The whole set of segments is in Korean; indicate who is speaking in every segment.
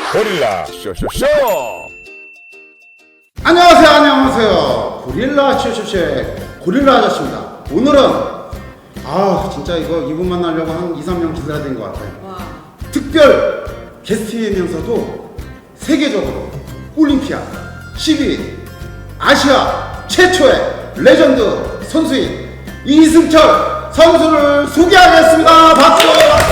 Speaker 1: 고릴라 쇼쇼쇼.
Speaker 2: 안녕하세요. 고릴라 쇼쇼쇼의 고릴라 아저씨입니다. 오늘은 진짜 이분 만나려고 한 2, 3년 기다려야 된 것 같아요.
Speaker 3: 와.
Speaker 2: 특별 게스트이면서도 세계적으로 올림피아 12위 아시아 최초의 레전드 선수인 이승철 선수를 소개하겠습니다. 박수!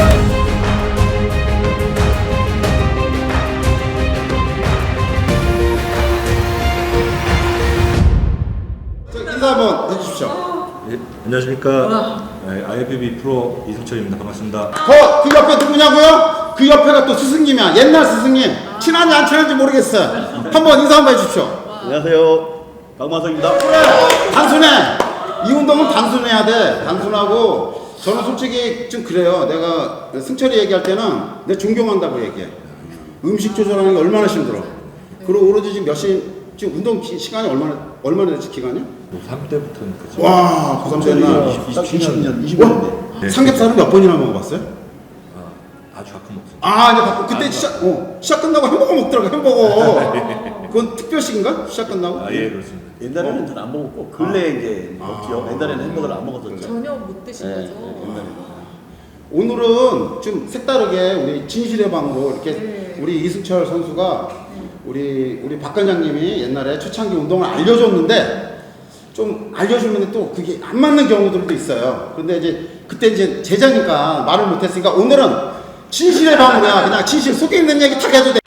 Speaker 2: 인사 한번 해주십시오.
Speaker 4: 예, 안녕하십니까. IFBB 프로 이승철입니다. 반갑습니다.
Speaker 2: 그 옆에 누구냐고요? 그 옆에가 또 스승님이야. 옛날 스승님. 친한지 안 친한지 모르겠어요. 한번 인사 한번 해주십시오.
Speaker 4: 안녕하세요. 박마석입니다.
Speaker 2: 단순해. 이 운동은 단순해야 돼. 단순하고 저는 솔직히 좀 그래요. 내가 승철이 얘기할 때는 내가 존경한다고 얘기해. 음식 조절하는 게 얼마나 힘들어. 그리고 오로지 지금 지금 운동 시간이 얼마나 됐지 기간이?
Speaker 4: 고3 때부터는 그죠.
Speaker 2: 와, 고3 때나
Speaker 4: 20년.
Speaker 2: 삼겹살은 몇 번이나 먹어봤어요?
Speaker 4: 아주 가끔 먹습니다.
Speaker 2: 이제 바꾸 그때 시작 끝나고 햄버거 먹더라고. 햄버거. 그건 특별식인가? 시작 끝나고?
Speaker 4: 예, 그렇습니다.
Speaker 5: 옛날에는 잘 안 먹었고 근래 이제 먹지요. 옛날에는 햄버거를 안 먹었었죠.
Speaker 3: 전혀 못 드신 거죠?
Speaker 5: 옛날에는.
Speaker 2: 오늘은 좀 색다르게 우리 진실의 방으로 이렇게
Speaker 3: 네.
Speaker 2: 우리 이승철 선수가 우리 박 관장님이 옛날에 초창기 운동을 알려줬는데 좀 알려주면 또 그게 안 맞는 경우들도 있어요. 근데 이제 그때 이제 제자니까 말을 못했으니까 오늘은 진실의 방으로야 그냥 진실 속에 있는 얘기 다 해도 돼.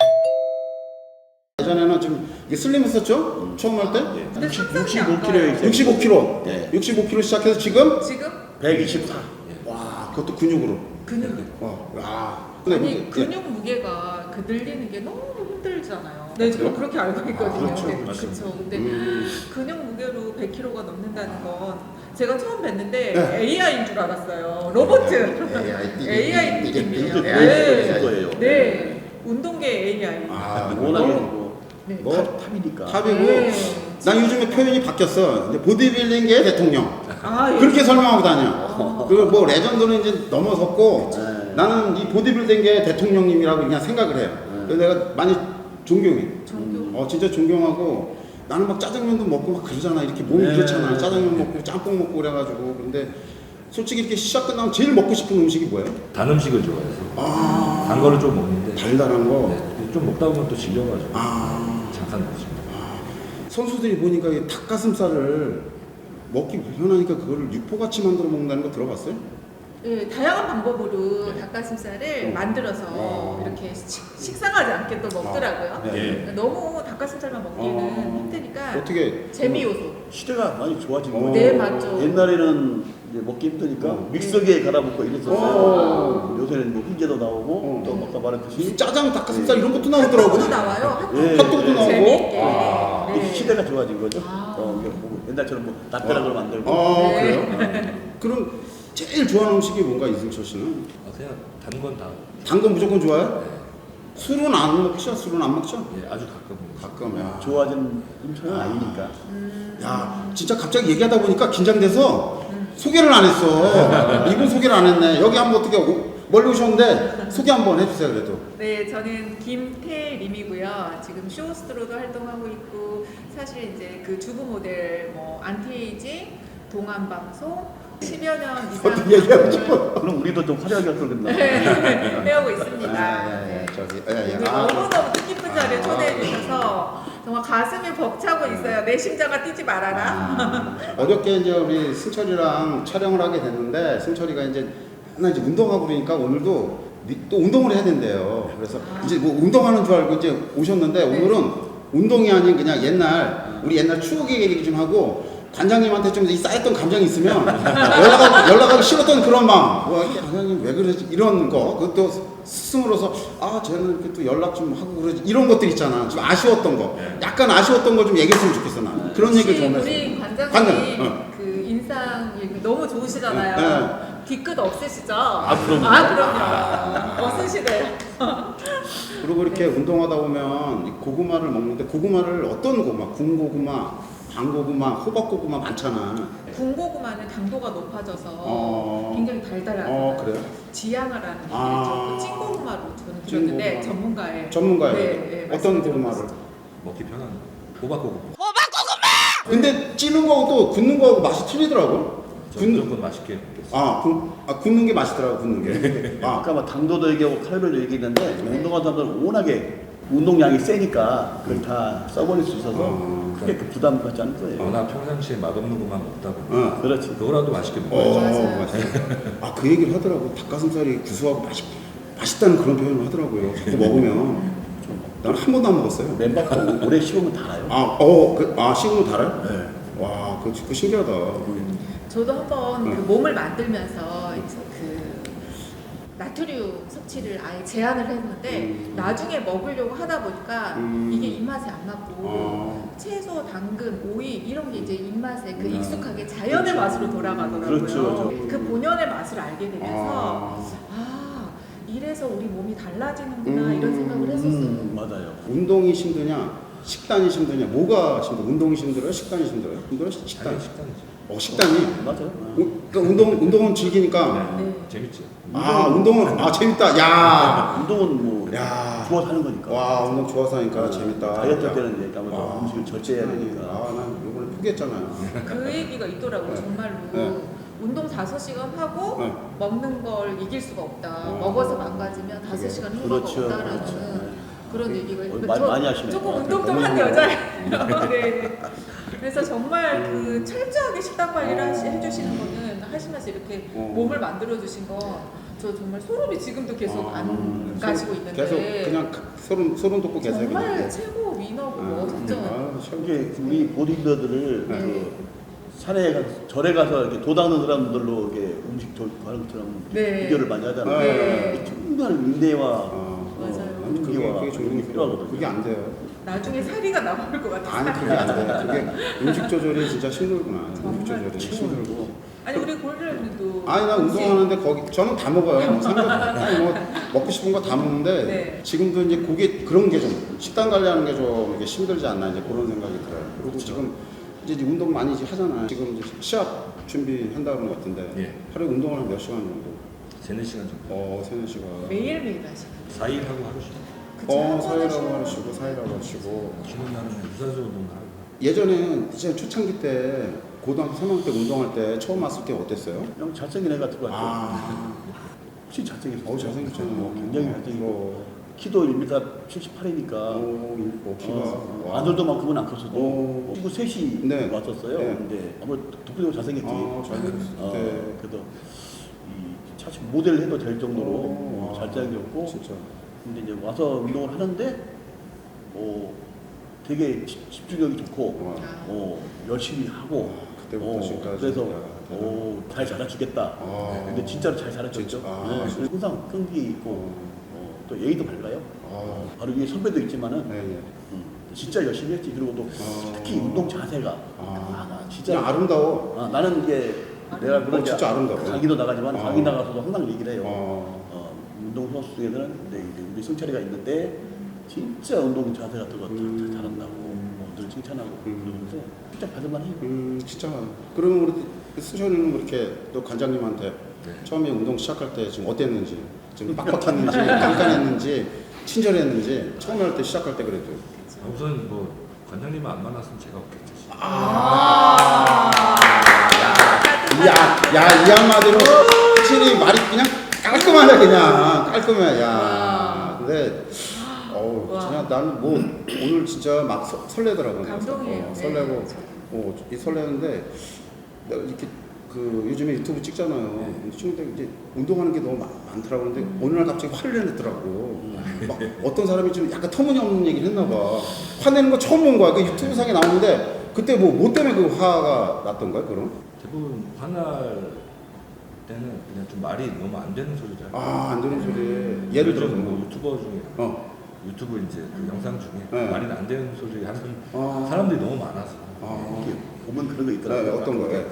Speaker 2: 예전에는 좀 이게 슬림했었죠? 처음 할 때?
Speaker 3: 근데 상상이 안 가요.
Speaker 2: 65kg.
Speaker 5: 네.
Speaker 2: 65kg 시작해서 지금
Speaker 3: 지금
Speaker 5: 124.
Speaker 2: 와 그것도 근육으로.
Speaker 3: 근육.
Speaker 2: 근데
Speaker 3: 아니 근육 무게가 그 늘리는 게 너무 힘들잖아요. 네, 저도 그렇게 알고 있거든요.
Speaker 2: 그렇죠.
Speaker 3: 네,
Speaker 4: 맞습니다.
Speaker 3: 그렇죠. 근데 근육 무게로 100kg가 넘는다는 건 제가 처음 뵀는데
Speaker 2: 네.
Speaker 3: AI인 줄 알았어요. 로봇. AI
Speaker 2: 이게
Speaker 3: 느낌이에요.
Speaker 5: 이게
Speaker 3: 네.
Speaker 5: 거예요.
Speaker 3: 네. 운동계 AI.
Speaker 5: 워낙에
Speaker 3: 네.
Speaker 5: 탑이니까.
Speaker 2: 탑이고
Speaker 3: 네.
Speaker 2: 난 요즘에 표현이 바뀌었어. 이제 보디빌딩계의 대통령.
Speaker 3: 예.
Speaker 2: 그렇게 설명하고 다녀. 그리고 뭐 레전드는 이제 넘어섰고
Speaker 5: 네.
Speaker 2: 나는 이 보디빌딩계의 대통령님이라고 그냥 생각을 해요. 그래서 내가 많이 존경해.
Speaker 3: 존경.
Speaker 2: 진짜 존경하고 나는 막 짜장면도 먹고 막 그러잖아. 이렇게 몸이
Speaker 5: 네.
Speaker 2: 그렇잖아. 짜장면 먹고 짬뽕 먹고 그래가지고. 근데 솔직히 이렇게 시작 끝나면 제일 먹고 싶은 음식이 뭐예요?
Speaker 4: 단 음식을 좋아해서 단 거를 좀 먹는데
Speaker 2: 달달한 거.
Speaker 4: 네, 좀 먹다 보면 또 질려가지고
Speaker 2: 아.
Speaker 4: 잠깐 먹습니다.
Speaker 2: 선수들이 보니까 이 닭가슴살을 먹기 불편하니까 그거를 육포같이 만들어 먹는다는 거 들어봤어요?
Speaker 3: 네, 다양한 방법으로 닭가슴살을 만들어서 이렇게 식상하지 않게 또 먹더라고요.
Speaker 4: 예.
Speaker 3: 너무 닭가슴살만 먹기는 힘드니까
Speaker 2: 어떻게
Speaker 3: 재미 요소.
Speaker 5: 시대가 많이 좋아진
Speaker 2: 어.
Speaker 5: 거예요.
Speaker 3: 네, 맞죠.
Speaker 5: 옛날에는 이제 먹기 힘드니까 믹서기에 갈아먹고 이랬었어요. 요새는 뭐 훈제도 나오고 또 아까 말했듯이
Speaker 2: 짜장 닭가슴살 이런 것도 나오더라고.
Speaker 3: 핫도그도 나와요.
Speaker 5: 예.
Speaker 2: 핫도그도 나오고.
Speaker 3: 재미있게.
Speaker 5: 이게
Speaker 3: 네.
Speaker 5: 시대가 좋아진 거죠. 이게 뭐 옛날처럼 뭐 닭벼락을 만들고.
Speaker 2: 그래요? 그럼 제일 좋아하는 음식이 뭔가 이승철 씨는?
Speaker 4: 그냥 단 건 다.
Speaker 2: 단 건 무조건 좋아해요? 술은 안 먹죠? 술은 안 먹죠?
Speaker 4: 예, 아주 가끔 먹습니다.
Speaker 2: 가끔. 야.
Speaker 5: 좋아진 임차는 아니니까.
Speaker 2: 야, 진짜 갑자기 얘기하다 보니까 긴장돼서 소개를 안 했어. 이분 소개를 안 했네. 여기 한번 어떻게 멀리 오셨는데 소개 한번 해주세요, 그래도.
Speaker 3: 네, 저는 김태림이고요. 지금 쇼호스트로도 활동하고 있고 사실 이제 그 주부 모델 뭐 안티에이징, 동안 방송 10여 년 이상
Speaker 2: 어떻게 얘기하고
Speaker 3: 방송을
Speaker 2: 싶어?
Speaker 5: 그럼 우리도 좀 화려하게 할 걸겠나?
Speaker 3: 해오고 있습니다. 네.
Speaker 2: 저기,
Speaker 3: 오늘 너무너무 뜻깊은 자리에 초대해 주셔서 정말 가슴이 벅차고 있어요. 내 심장아 뛰지 말아라.
Speaker 2: 어저께 이제 우리 승철이랑 촬영을 하게 됐는데 승철이가 이제 맨날 이제 운동하고 그러니까 오늘도 또 운동을 해야 된대요. 그래서 이제 뭐 운동하는 줄 알고 이제 오셨는데 오늘은 운동이 아닌 그냥 우리 옛날 추억 얘기 좀 하고 관장님한테 좀 이 쌓였던 감정이 있으면 연락하기 싫었던 그런 마음. 관장님 왜 그러지? 이런 거. 그것도 스승으로서 쟤는 이렇게 또 연락 좀 하고 그러지. 이런 것들 있잖아. 좀 아쉬웠던 거. 약간 아쉬웠던 거 좀 얘기했으면 좋겠어 나. 그런 얘기를 좀 했어.
Speaker 3: 우리 관장님
Speaker 2: 관장,
Speaker 3: 그 인상 너무 좋으시잖아요.
Speaker 2: 네.
Speaker 3: 뒤끝 없으시죠?
Speaker 5: 그럼요.
Speaker 3: 그럼요. 없으시대요.
Speaker 2: 그리고 이렇게 운동하다 보면 이 고구마를 먹는데 고구마를 어떤 고구마? 군고구마, 방고구마, 호박고구마 많잖아.
Speaker 3: 군고구마는 당도가 높아져서 굉장히 달달하잖아요.
Speaker 2: 그래요?
Speaker 3: 지양아라는 게
Speaker 2: 아.
Speaker 3: 있죠. 그 찐고구마로 저는 들었는데
Speaker 2: 찐고구마.
Speaker 3: 전문가의
Speaker 2: 전문가예요.
Speaker 3: 네,
Speaker 2: 어떤
Speaker 3: 말씀을
Speaker 2: 고구마를?
Speaker 3: 들어봤어요.
Speaker 4: 먹기 편한 호박고구마.
Speaker 2: 근데 찌는 거하고 또 굽는 거하고 맛이 틀리더라고.
Speaker 4: 저 무조건 맛있게 먹겠어요.
Speaker 2: 굽는 게 맛있더라고, 굽는 게.
Speaker 5: 아까 막 당도도 얘기하고 칼로리도 얘기했는데 운동하는 사람들은 워낙에 운동량이 세니까 그걸 다 써버릴 수 있어서 크게 그 부담 갖지 않을 거예요.
Speaker 4: 워낙 평상시에 맛없는 것만 먹다 보니까
Speaker 5: 그렇지.
Speaker 4: 그거라도 맛있게 먹어야죠.
Speaker 3: 맞아요.
Speaker 2: 맞아요. 그 얘기를 하더라고. 닭가슴살이 구수하고 맛있다는 그런 표현을 하더라고요. 자꾸 먹으면. 난 한 번도 안 먹었어요.
Speaker 5: 맨밥도 오래 씹으면 달아요.
Speaker 2: 식으면 달아요?
Speaker 5: 네.
Speaker 2: 와, 그거 신기하다.
Speaker 3: 저도 한번
Speaker 2: 네.
Speaker 3: 그 몸을 만들면서 이제 그 나트륨 섭취를 아예 제한을 했는데 나중에 먹으려고 하다 보니까 이게 입맛에 안 맞고 채소, 당근, 오이 이런 게 이제 입맛에 그 익숙하게 자연의 맛으로 돌아가더라고요.
Speaker 5: 그렇죠.
Speaker 3: 그 본연의 맛을 알게 되면서 이래서 우리 몸이 달라지는구나 이런 생각을 했었어요.
Speaker 5: 맞아요.
Speaker 2: 운동이 힘드냐, 식단이 힘드냐, 뭐가 힘들어? 운동이 힘들어요? 식단이 힘들어요? 힘들어요? 식단.
Speaker 4: 당연히 식단이죠.
Speaker 2: 식단이.
Speaker 5: 맞아요.
Speaker 2: 그러니까 운동은 즐기니까.
Speaker 3: 네.
Speaker 4: 재밌죠.
Speaker 2: 운동은 재밌다. 야.
Speaker 5: 운동은 뭐
Speaker 2: 야.
Speaker 5: 좋아서 하는 거니까.
Speaker 2: 와, 운동 좋아서 하니까 재밌다.
Speaker 5: 다이어트 할 때는 이제 아무래도
Speaker 2: 와.
Speaker 5: 음식을 절제해야 되니까.
Speaker 2: 난 이번에 포기했잖아요.
Speaker 3: 그 얘기가 있더라고요.
Speaker 2: 네.
Speaker 3: 정말로.
Speaker 2: 네.
Speaker 3: 운동 5시간 하고
Speaker 2: 네.
Speaker 3: 먹는 걸 이길 수가 없다. 먹어서 망가지면 5시간 후가
Speaker 5: 그렇죠.
Speaker 3: 없다라는
Speaker 5: 그렇죠.
Speaker 3: 그런 얘기가 있고
Speaker 5: 많이 하시네요.
Speaker 3: 조금 운동 좀 한 여자예요. 네. 그래서 정말 그 철저하게 식단 관리를 해주시는 거는 하시면서 이렇게 몸을 만들어 주신 거 저 정말 소름이 지금도 계속 안 가시고 있는데
Speaker 2: 계속 그냥 소름 돋고 계세요.
Speaker 3: 정말
Speaker 2: 그냥.
Speaker 3: 최고 위너고 멋져.
Speaker 5: 이게 우리 보디빌더들을
Speaker 2: 네.
Speaker 5: 그 산에 절에 가서 이렇게 도닦는 사람들로 이렇게 음식 하는 것처럼
Speaker 3: 네.
Speaker 5: 비교를 많이 하잖아요.
Speaker 3: 네.
Speaker 5: 정말 인내와
Speaker 3: 맞아요.
Speaker 2: 그게 종종이
Speaker 5: 필요하거든요.
Speaker 2: 그게 안 돼요.
Speaker 3: 나중에 살이가 나올 것 같아요.
Speaker 2: 아니 그게 안 돼. 그게 음식 조절이 진짜 힘들구나. 음식
Speaker 3: 정말
Speaker 2: 조절이 힘들고.
Speaker 3: 아니 우리 골드랜드도
Speaker 2: 아니 나 운동하는데 거기 저는 다 먹어요. 뭐 먹고 싶은 거 다 먹는데
Speaker 3: 네.
Speaker 2: 지금도 이제 그게 그런 게 좀 식단 관리하는 게 좀 이게 힘들지 않나 이제 그런 생각이 들어요. 그리고 지금 이제 운동 많이 이제 하잖아요. 지금 이제 시합 준비한다는 것 같은데
Speaker 4: 예.
Speaker 2: 하루에 운동을 한 몇 시간 정도?
Speaker 4: 3-4시간 정도.
Speaker 2: 3-4시간.
Speaker 3: 매일매일 하시는
Speaker 4: 4일 하고 하루 쉬고.
Speaker 3: 그쵸?
Speaker 2: 사일하고 하시고 사일하고 하시고.
Speaker 4: 쉬는 날은 유산소 운동을 하고.
Speaker 2: 예전에는 진짜 초창기 때 고등학교 3학년 때 운동할 때 처음 왔을 때 어땠어요?
Speaker 5: 그냥 잘생긴 애 같은 거 같아요.
Speaker 2: 아,
Speaker 5: 진짜 잘생겼어요.
Speaker 2: 잘생겼잖아요.
Speaker 5: 굉장히 잘생기고 키도 1m 78이니까
Speaker 2: 키가.
Speaker 5: 아들도만큼은 안 컸어도
Speaker 2: 오.
Speaker 5: 친구 셋이
Speaker 2: 네.
Speaker 5: 왔었어요.
Speaker 2: 네.
Speaker 5: 근데 아무래도 독보적으로 잘생겼지.
Speaker 2: 잘생겼을 때.
Speaker 5: 그래도 이 사실 모델을 해도 될 정도로 잘생겼고.
Speaker 2: 진짜.
Speaker 5: 근데 이제 와서 운동을 하는데 되게 집중력이 좋고 열심히 하고
Speaker 2: 그때부터 지금까지.
Speaker 5: 그래서
Speaker 2: 진짜
Speaker 5: 잘 자라주겠다. 근데 진짜로 잘 자라줬죠.
Speaker 2: 진짜?
Speaker 5: 네. 항상 끈기 있고 또 예의도 밝아요. 바로 위에 선배도 있지만은
Speaker 2: 네.
Speaker 5: 진짜 열심히 했지. 그리고 또 특히 운동 자세가 나 진짜
Speaker 2: 그냥 아름다워.
Speaker 5: 나는 이제 내가 그런
Speaker 2: 진짜 아름다워.
Speaker 5: 강의도 나가지만 강의 나가서도 항상 얘기를 해요.
Speaker 2: 어.
Speaker 5: 운동 선수 중에서는 이제 우리 승철이가 있는데 진짜 운동 자세 같은 거 잘한다고 늘 칭찬하고 그러는데 진짜 받을만 해요.
Speaker 2: 진짜. 그러면 우리 수현이는 이렇게 또 관장님한테 처음에 운동 시작할 때 지금 어땠는지, 좀 빡빡했는지, 깐깐했는지, 친절했는지 처음에 할 때 시작할 때 그래도.
Speaker 4: 우선 뭐 관장님은 안 만났으면 제가 없겠죠.
Speaker 2: 이 한마디로 확실히 말이 그냥 깔끔하네 그냥 깔끔해. 야. 근데 진짜 나는 뭐 오늘 진짜 막 설레더라고.
Speaker 3: 감동이에요.
Speaker 2: 설레고
Speaker 3: 네.
Speaker 2: 이 설레는데 내가 이렇게 그 요즘에 유튜브 찍잖아요. 친구들 이제 운동하는 게 너무 많더라고. 근데 어느 날 갑자기 화를 내더라고. 막 어떤 사람이 좀 약간 터무니없는 얘기를 했나 봐. 화내는 거 처음 본 거야. 그 유튜브 상에 나오는데 그때 뭐 때문에 그 화가 났던 거야, 그럼?
Speaker 4: 대부분 화날 때는 그냥 좀 말이 너무 안 되는 소리를 하고.
Speaker 2: 안 되는 소리. 예를 들어서
Speaker 4: 뭐 유튜버 중에 유튜브 이제 그 영상 중에 말이 안 되는 소리 하는 사람들이 너무 많아서.
Speaker 5: 이렇게 보면 그런 거 있더라고요.
Speaker 2: 어떤 거예요?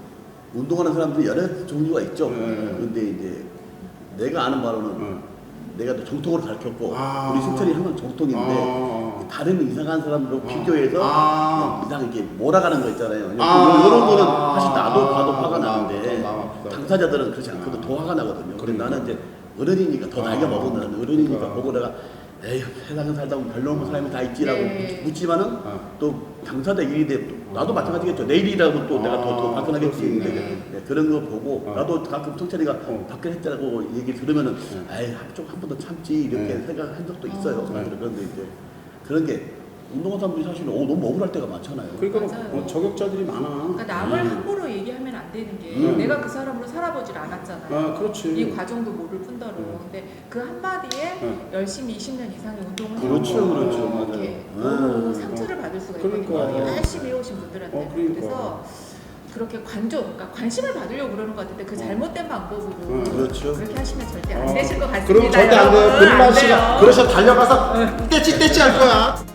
Speaker 5: 운동하는 사람들이 여러 종류가 있죠. 그런데 이제 내가 아는 바로는 내가 또 정통으로 가르쳤고
Speaker 2: 아.
Speaker 5: 우리 승철이 항상 정통인데 다른 이상한 사람들로 비교해서 이상 이게 몰아가는 거 있잖아요. 이런 거는 사실 나도 봐도 화가 나는데 당사자들은 그렇지 않거든. 더 화가 나거든요. 근데 나는 이제 어른이니까 더 나이가 먹은 나는 어른이니까 보고 내가 에휴 세상에 살다 보면 별로는 사람이 다 있지라고 묻지만은 또 당사자 일이 돼 나도 마찬가지겠죠. 내일이라고 또 내가 더 발끈하겠지. 네, 그런 거 보고 나도 가끔 성철이가 발끈했다고 얘기 들으면은 에이 한 번 더 참지 이렇게 생각한 적도 있어요. 그런데 이제 그런 게 운동한 사람들이 사실은 너무 억울할 때가 많잖아요.
Speaker 2: 그러니까
Speaker 3: 맞아요.
Speaker 2: 저격자들이 많아.
Speaker 3: 그러니까 남을 함부로 얘기하면 안 되는 게 내가 그 사람으로 살아보질 않았잖아요.
Speaker 2: 그렇지.
Speaker 3: 이 과정도 모를 뿐더러. 근데 그 한마디에 열심히 20년 이상의 운동을
Speaker 2: 그렇죠,
Speaker 3: 하고
Speaker 2: 그렇죠. 맞아요.
Speaker 3: 이렇게 너무 상처를 받을 수가 있거든요.
Speaker 2: 그러니까.
Speaker 3: 열심히 해오신 분들한테.
Speaker 2: 그러니까.
Speaker 3: 그래서 그렇게 그러니까 관심을 받으려고 그러는 것 같은데 그 잘못된 방법으로
Speaker 5: 그렇죠.
Speaker 3: 그렇게 하시면 절대 안 되실 것 같습니다.
Speaker 2: 그럼 절대 안 돼요.
Speaker 3: 여러분.
Speaker 2: 금만
Speaker 3: 안
Speaker 2: 씨가
Speaker 3: 돼요.
Speaker 2: 그러셔 달려가서 떼찌 할 거야.